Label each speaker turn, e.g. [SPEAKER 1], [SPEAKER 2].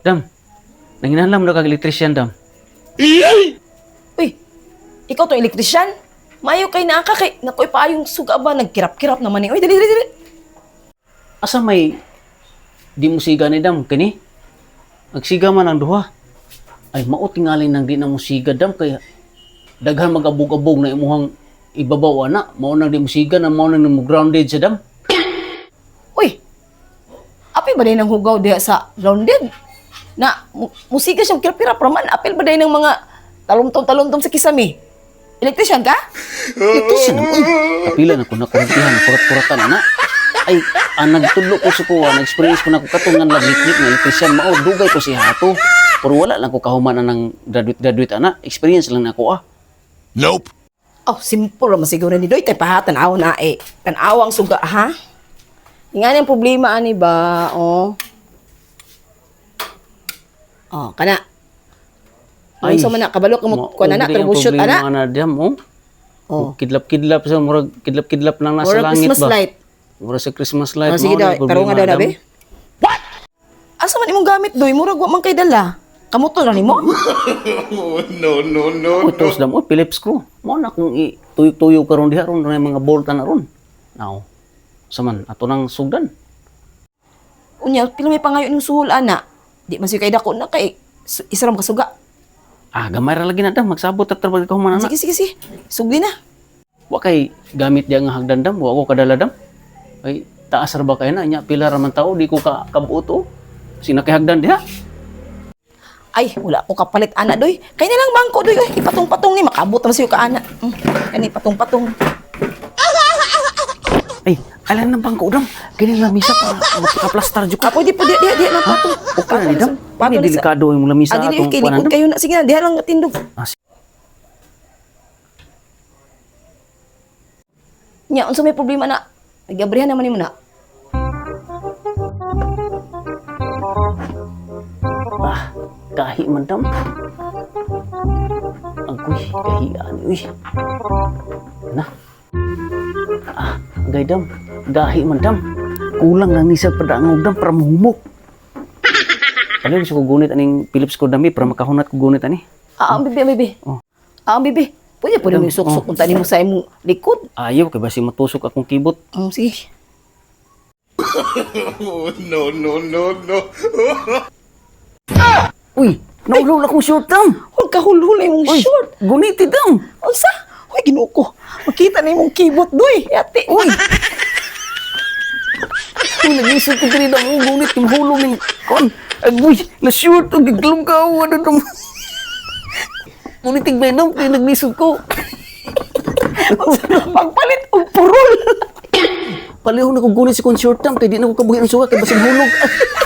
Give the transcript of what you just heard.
[SPEAKER 1] Dam, nanginahanglan mo na kag elektrisyan, Dam.
[SPEAKER 2] Uy, ikaw to elektrisyan? Mayo kay naka kay nakoy pa yung suga ba nagkirap-kirap naman ni. Uy, dali dali dali.
[SPEAKER 1] Asa may di mo siga ni Dam, kani? Nagsiga man ang duha. Ay, mao tingali nang di na mo siga, Dam, kaya daghan mag-abog-abog na imuhang ibabaw, ana. Mao nang di mo siga na mao nang mo grounded sa Dam.
[SPEAKER 2] Uy, api ba day nang hugaw diha sa grounded? Na, musika siyang kirap-kirap raman. Apil ba day ng mga talumtom-talumtom sa kisame? Elektrisyan ka?
[SPEAKER 1] Elektrisyan mo, uy. Kapila na ko na kuratihan, kurat-kuratan, ana. Ay, nagtudlo ko sa kuha, nag-experience ko na ko katungan laglit-lit na elektrisyan. Mao, dugay ko si Hato. Pero wala lang ko kahumanan ng graduate, ana. Experience lang na ako,
[SPEAKER 3] Nope.
[SPEAKER 2] Oh, simple raman siguro ni Doy. Tay tanaw na eh. Tanaw ang suga, ha? Nga yung problema, ani ba? Oh. Oh, kana. Ay, so man na, kabalo ka mo, kuha na, troubleshoot, ana.
[SPEAKER 1] Ana, Dam, oh.
[SPEAKER 2] Oh.
[SPEAKER 1] Kidlap-kidlap sa murag kidlap-kidlap lang nasa
[SPEAKER 2] Murag
[SPEAKER 1] langit
[SPEAKER 2] Christmas
[SPEAKER 1] ba?
[SPEAKER 2] light.
[SPEAKER 1] Murag sa Christmas light.
[SPEAKER 2] Oh, sige daw, tarungan daw na, be.
[SPEAKER 1] Dam.
[SPEAKER 2] Asa man imong gamit, Doy? Murag wa man kay dala. Kamuto na nimo?
[SPEAKER 1] Oh, tos Dam, oh, Phillips screw. Mo na kung tuyok-tuyok karon diha ron na mga bolt na ron. Now, saman ato nang sugdan.
[SPEAKER 2] Unya, pila may pangayo ning suhol, ana. Di man siya kay dako na kay isaram ka suga.
[SPEAKER 1] Ah, gamay ra lagi na Dam, magsabot at trabaho ka man na.
[SPEAKER 2] Sige, sige, sige. Sugdi na.
[SPEAKER 1] Wa kay gamit diya nga hagdan Dam, wa ko kadala Dam. Ay taas ra ba kay na nya pila ra man tao di ko ka kabuot oh. Sinakihagdan diha.
[SPEAKER 2] Ay, wala ko kapalit, ana, Doy. Kaya na lang bangko, Doy. Ay, ipatong-patong ni. Makabot naman sa'yo ka, ana. Kani, patong-patong.
[SPEAKER 1] Ay, alam ng bangko Dam. Kini lamisa pa makaplastar jud ko.
[SPEAKER 2] Ah, pwede, pwede. Diha na, patong.
[SPEAKER 1] Okay na ni Dam. Ini delikado yung lamisa
[SPEAKER 2] Ah,
[SPEAKER 1] atong
[SPEAKER 2] dili,
[SPEAKER 1] kuanan.
[SPEAKER 2] likod kayo na. Sige na, diha lang tindog.
[SPEAKER 1] Ah, sige.
[SPEAKER 2] Nya, unsa may problema na? Nagabrihan naman ni mo na.
[SPEAKER 1] Ah, kahi man Dam. Agoy, kahian. Uy. Na. Ah, gay Dam. Gahi man Dam. Kulang lang ni sa padangog Dam para mahumok. Kali gusto ko gunit aning Philips ko dami para makahunat ko gunit ani.
[SPEAKER 2] Ah, ang bibi, ang bibi.
[SPEAKER 1] Oh.
[SPEAKER 2] Ah, ang bibi. Pwede mo suksok kung tani mo sa imong likod.
[SPEAKER 1] Ayaw kay basi matusok akong kibot.
[SPEAKER 2] Sige.
[SPEAKER 1] Uy, naulaw akong short Dam.
[SPEAKER 2] Huwag ka hulhulay mong
[SPEAKER 1] Uy,
[SPEAKER 2] short.
[SPEAKER 1] guniti Dam.
[SPEAKER 2] Unsa? Uy, ginuo ko. Makita na imong kibot, Doy. Yate.
[SPEAKER 1] Uy. Uy, nag-isip ko diri Dam, gunit yung hulong ning kon. Agoy, na short og giglum ka ano Dam. Gunit tig Dam, kay naglisod ko.
[SPEAKER 2] Pagpalit og purol.
[SPEAKER 1] Palihog na ko gunit si kon short Dam, kay di na ko kabuhi ang suga kay basig hulog.